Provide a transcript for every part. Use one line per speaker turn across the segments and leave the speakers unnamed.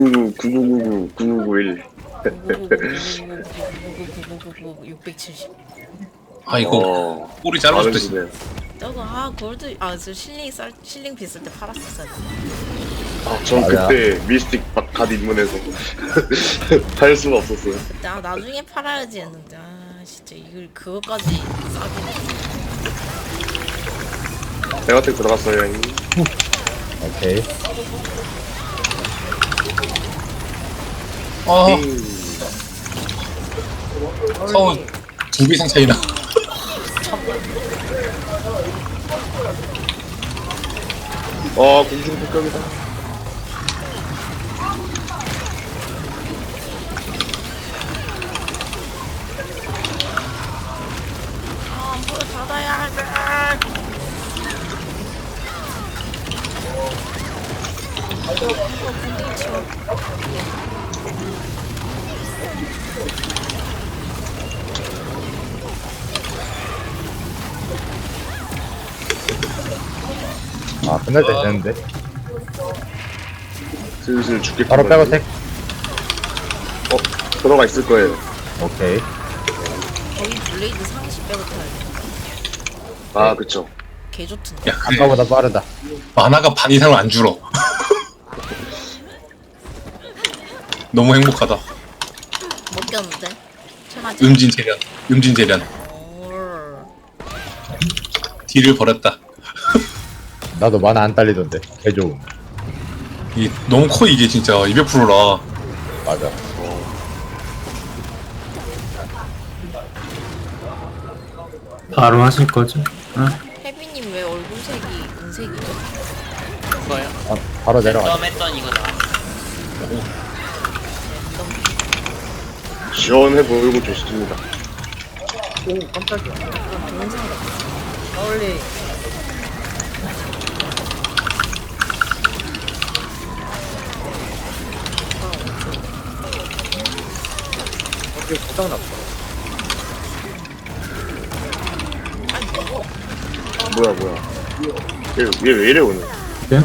99999991.
670.
아 이거
어,
꼬리 잘라줬다.
많으시네요.
저거 골드 저 실링 비쌀 때 팔았었어야 돼.
전
맞아.
그때 미스틱 갓 입문해서 팔 수가 없었어요.
그때 나중에 팔아야지 했는데 진짜 이걸 그거까지 싸게.
대화택 들어갔어요, 형님.
오케이.
아 서우 2배 이상 차이나.
공중 폭격이다.
물 닫아야 돼.
아, 끝날 때 됐는데.
슬슬 죽겠다.
바로 백어택.
들어가 있을 거예요.
오케이.
거의 블레이드 상시 빼고 타야 돼.
그쵸.
개 좋던데.
야 그래
아까보다 빠르다.
만화가 반 이상은 안 줄어. 너무 행복하다.
못 꼈는데. 체마지.
음진재련 딜을 버렸다.
나도 만화 안 딸리던데. 개 좋음.
이 너무 커 이게 진짜 200%라.
맞아.
바로 하실 거죠? 응?
혜빈님 왜 얼굴색이 은색이죠?
그거요?
바로 내려가.
랜덤 했던 이거 나왔어.
시원해 보이고 좋습니다. 뭐야. 얘 왜 이래, 오늘?
네?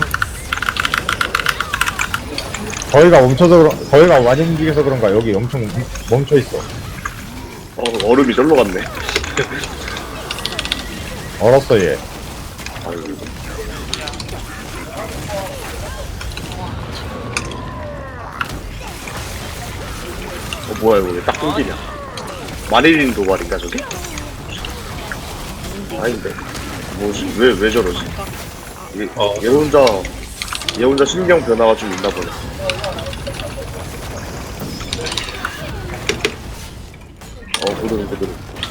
거기가 거기가 많이 움직여서 그런가 여기 엄청 멈춰 있어.
얼음이 절로 갔네.
얼었어 얘.
아이고. 뭐야, 이거 왜 딱 끊기냐. 마릴린 도발인가, 저게? 아닌데. 뭐지? 왜 저러지? 얘 혼자 신경 변화가 좀 있나 보네. 그대로.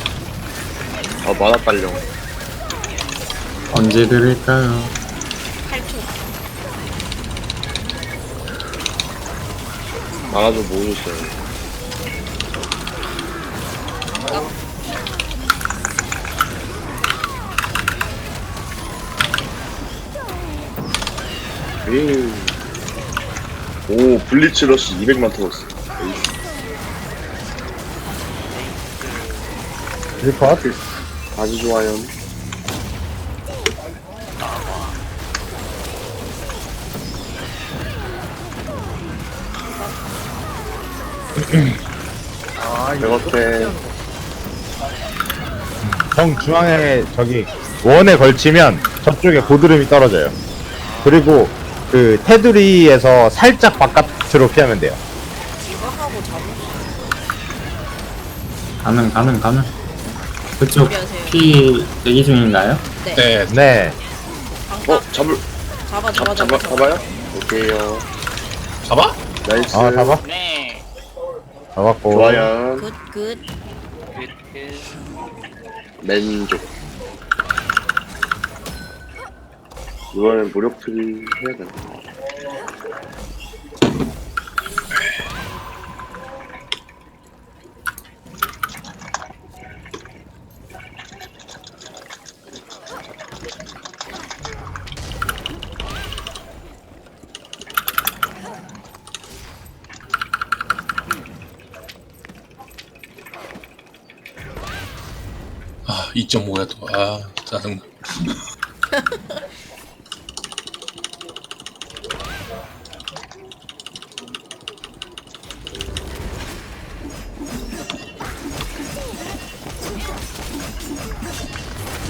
만화 딸려.
언제 드릴까요?
8초.
만화 좀 모으셨어요. 오, 블리츠 러시 200만 터졌어.
릴컷.
아주 좋아요. 이렇게
정 중앙에 저기 원에 걸치면 저쪽에 고드름이 떨어져요. 그리고 그 테두리에서 살짝 바깥으로 피하면 돼요.
지각하고
가능. 그쪽
준비하세요.
피 대기 중인가요?
네.
네.
잡아요? 오케이요.
잡아?
나이스.
잡아.
네.
잡았고.
좋아요.
굿.
그
맨족. 이번엔 무력 트리 해야 되나?
아 2.5야 또. 아 짜증나.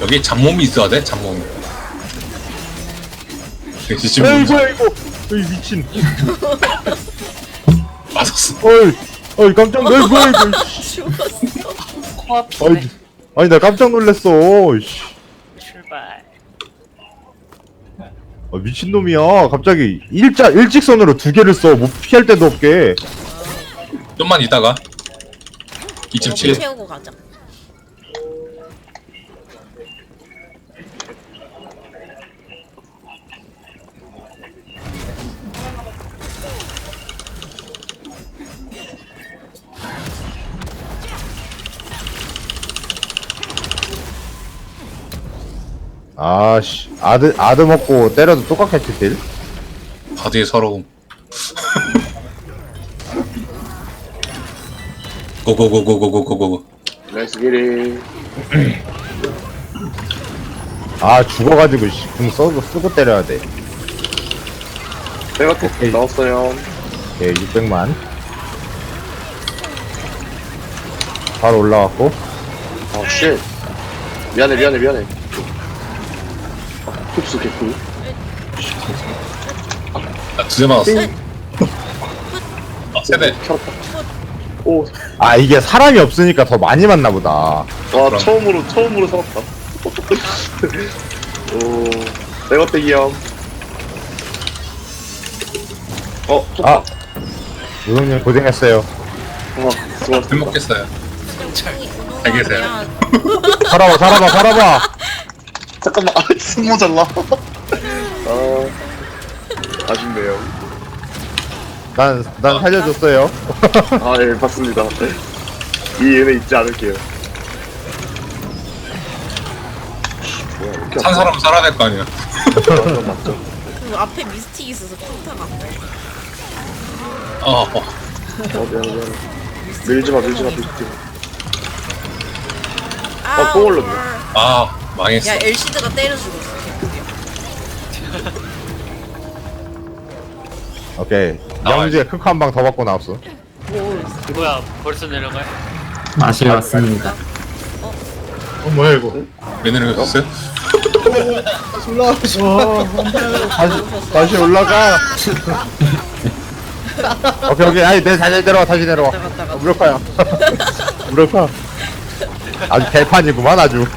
여기 잡몸이 있어야 돼, 잡몸. 역시 지금
어이구 어이구 어이 미친
맞았어.
어이 깜짝 놀고 어이구
죽었어.
코앞이네.
아니 나 깜짝 놀랐어 씨.
출발.
미친놈이야 갑자기 일직선으로 두 개를 써 뭐 피할 데도 없게
좀만 있다가
이거
27.
채우고 가자.
아씨 아드 먹고 때려도 똑같겠지 딜?
바드의 서러움. 고고고고고고고고.
렛츠 기릿.
아 죽어가지고 씨, 궁 쓰고 때려야 돼
내가
오케이.
나왔어요.
예, 600만 바로 올라왔고
아 쉣. 미안해. 흡수 개꿀.
나 2대 맞았어. 아, 세대.
켜졌다. 오.
아 이게 사람이 없으니까 더 많이 맞나 보다
와
그럼.
처음으로 살았다. 오. 내가 떼기야.
아 요동님 고생했어요
수고하셨습니다.
행복했어요.
잘
계세요.
살아봐
잠깐만, 숨 모자라. 아쉽네요.
난 살려줬어요
예, 봤습니다. 이 은혜 잊지 않을게요. 뭐야, 왜 이렇게
산 사람은 살아야 될 거 아니야.
맞죠?
그 앞에 미스틱 있어서 평타가.
미안해. 밀지마. 뽕 올렸네.
아, 망했어.
야 엘시드가 때려 죽었어.
오케이
나와요.
영주에 크크 한 방 더 받고 나왔어
뭐야, 벌써 내려가요?
맛이 왔습니다.
왜 내려갔어요?
다시 올라가 오케이 아니 다시 내려와
갔다가
무력화야 무력화 아주 개판이구만 아주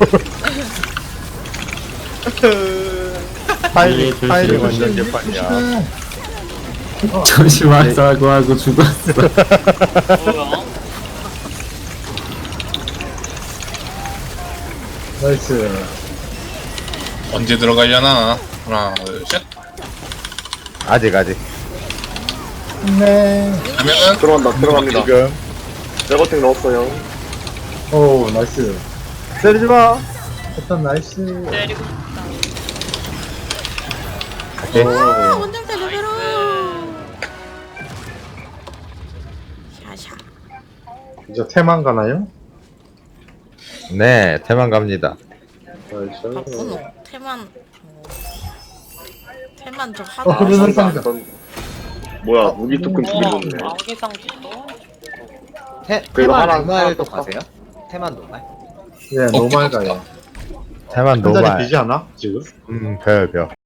타이밍 완전 개판이야
조심하자고 하고 죽었어.
뭐야?
언제 들어가려나? 하나, 둘, 셋.
아직
그러면은
들어갑니다.
지금
내거탱 넣었어요.
때리지마
때리고
오케이
아 원정 때려버려. 샤샤.
이제 테만 가나요?
네 대만 갑니다
바쁘노. 태만. 태만 저
어,
하다.
그러면 상자.
뭐야, 무기 토큰 두개 넣네.
아기상도
그래도 하나
노말도
떴다.
가세요? 테만 노말?
예, 노말 가요.
대만
한 자리
노말
비지 않아? 지금?
벼